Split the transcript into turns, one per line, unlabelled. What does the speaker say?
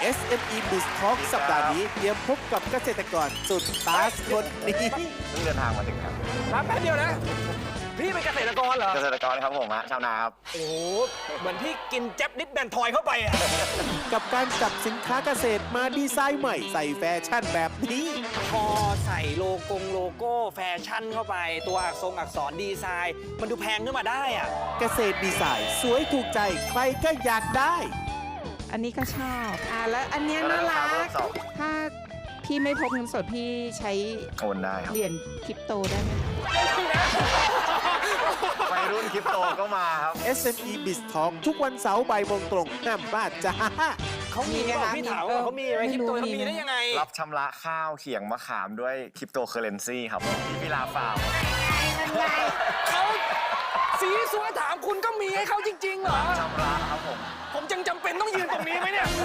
SME Biz Talk สัปดาห์นี้เตรียมพบกับเกษตรกรสุดตาสคนนี้
เพิ่งเดินทางมาถึงครับ
ครับแป๊บเดียวนะ พี่เป็นเกษตรกรเหรอ
เกษตรกรครับผมฮะชาวนาครับ
โอ้โหเหมือนพี่กินแจ๊บนิดแบนทอยเข้าไปอะ
กับการจับสินค้าเกษตรมาดีไซน์ใหม่ใส่แฟชั่นแบบนี้
พอใส่โลโก้แฟชั่นเข้าไป ตัวอักษรดีไซน์ มันดูแพงขึ้นมาได้อะ
เกษตรดีไซน์สวยถูกใจใครก็อยากได้
อันนี้ก็ชอบแล้วอันเนี้ยน่ารัก ถ้าพี่ไม่พกเงินสดพี่ใช้
โอนได้ครับ
เหรียญคริปโตได้ไหม
วัยรุ่นคริปโตก็มาครับ
SME Biz Talk ทุกวันเสาร์บ่ายโมงตรงห้ามพลาดจ้า
เขามีไหมพี่ถามว่าเขามีไหมคริปโตเขามีได้ยังไง
รับชำระข้าวเขียงมะขามด้วยคริปโตเคอเรนซีครับที่พิลาฟาร์ม
เขาสีสัวถามคุณก็มีให้เขาจริงๆเหรอ
ชำระครับผม
ผมจังจำเป็นต้องยืนตรงนี้ไหมเนี่ย